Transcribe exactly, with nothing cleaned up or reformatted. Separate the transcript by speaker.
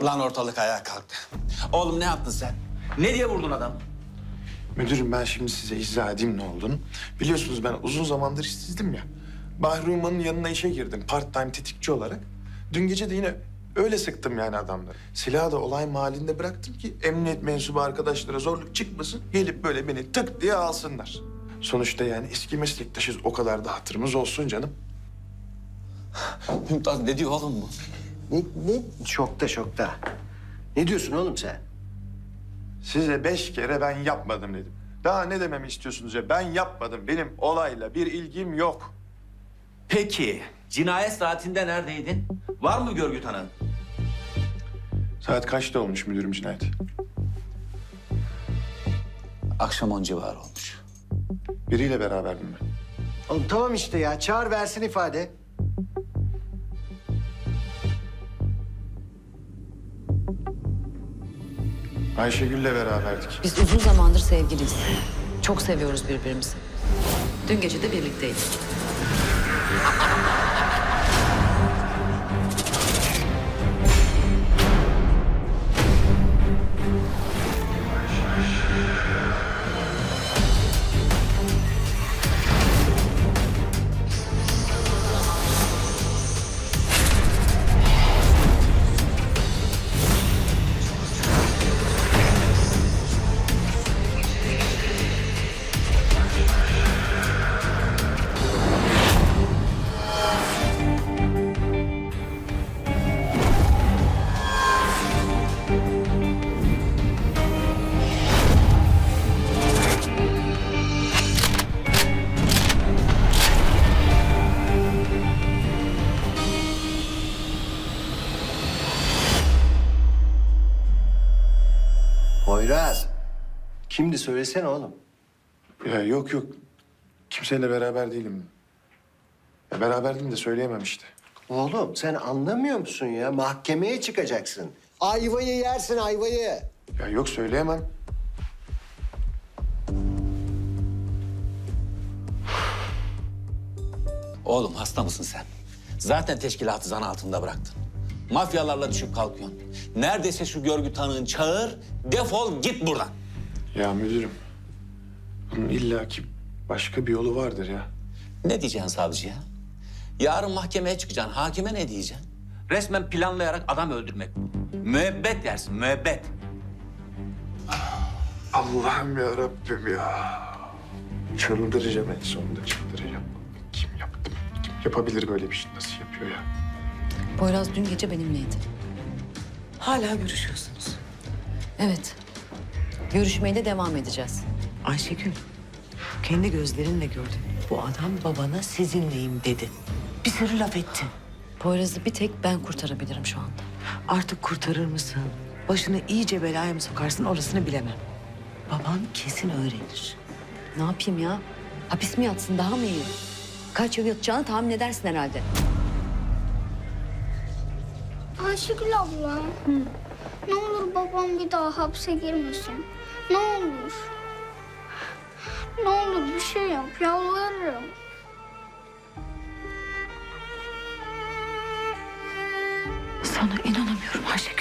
Speaker 1: Lan ortalık ayağa kalktı. Oğlum ne yaptın sen? Ne diye vurdun adamı?
Speaker 2: Müdürüm ben şimdi size izah edeyim ne olduğunu. Biliyorsunuz ben uzun zamandır işsizdim ya. Bahri Umman'ın yanına işe girdim part time tetikçi olarak. Dün gece de yine öyle sıktım yani adamları. Silahı da olay mahallinde bıraktım ki emniyet mensubu arkadaşlara zorluk çıkmasın. Gelip böyle beni tık diye alsınlar. Sonuçta yani eski meslektaşız, o kadar da hatırımız olsun canım.
Speaker 1: Mümtaz ne diyor oğlum bu?
Speaker 3: Ne, ne? Şokta şokta. Ne diyorsun oğlum sen?
Speaker 2: Size beş kere ben yapmadım dedim. Daha ne dememi istiyorsunuz ya? Ben yapmadım. Benim olayla bir ilgim yok.
Speaker 1: Peki cinayet saatinde neredeydin? Var mı görgü tanığın?
Speaker 2: Saat kaçta olmuş müdürüm cinayet?
Speaker 1: Akşam on civarı olmuş.
Speaker 2: Biriyle beraberdim ben.
Speaker 3: Oğlum tamam işte ya. Çağır versin ifade.
Speaker 2: Ayşegül'le beraberdik.
Speaker 4: Biz uzun zamandır sevgiliyiz. Çok seviyoruz birbirimizi. Dün gece de birlikteydik.
Speaker 3: Poyraz. Kimdi söylesene oğlum.
Speaker 2: Ya yok yok. Kimseyle beraber değilim. Ya beraberdim de söyleyemem işte.
Speaker 3: Oğlum sen anlamıyor musun ya? Mahkemeye çıkacaksın. Ayvayı yersin ayvayı.
Speaker 2: Ya yok söyleyemem.
Speaker 1: Oğlum hasta mısın sen? Zaten teşkilatı zan altında bıraktın. Mafyalarla düşüp kalkıyorsun. Neredeyse şu görgü tanığın çağır, defol git buradan.
Speaker 2: Ya müdürüm. Bunun illaki başka bir yolu vardır ya.
Speaker 1: Ne diyeceksin savcıya? Yarın mahkemeye çıkacaksın. Hakime ne diyeceksin? Resmen planlayarak adam öldürmek bu. Müebbet dersin, müebbet.
Speaker 2: Allah'ım ya Rabbim ya. Çıldıracağım en sonunda çıldıracağım. Kim yaptı? Kim yapabilir böyle bir şey? Nasıl yapıyor ya?
Speaker 4: Poyraz dün gece benimleydi.
Speaker 5: Hala görüşüyorsunuz.
Speaker 4: Evet. Görüşmeye de devam edeceğiz.
Speaker 5: Ayşegül, kendi gözlerinle gördün. Bu adam babana sizinleyim dedi. Bir sürü laf etti.
Speaker 4: Poyraz'ı bir tek ben kurtarabilirim şu anda.
Speaker 5: Artık kurtarır mısın? Başını iyice belaya mı sokarsın orasını bilemem. Baban kesin öğrenir.
Speaker 4: Ne yapayım ya? Hapis mi yatsın daha mı iyi? Kaç yıl yatacağını tahmin edersin herhalde.
Speaker 6: Ayşegül abla. Ne olur babam bir daha hapse girmesin. Ne olur. Ne olur bir şey yap, yalvarırım.
Speaker 5: Sana inanamıyorum Ayşegül.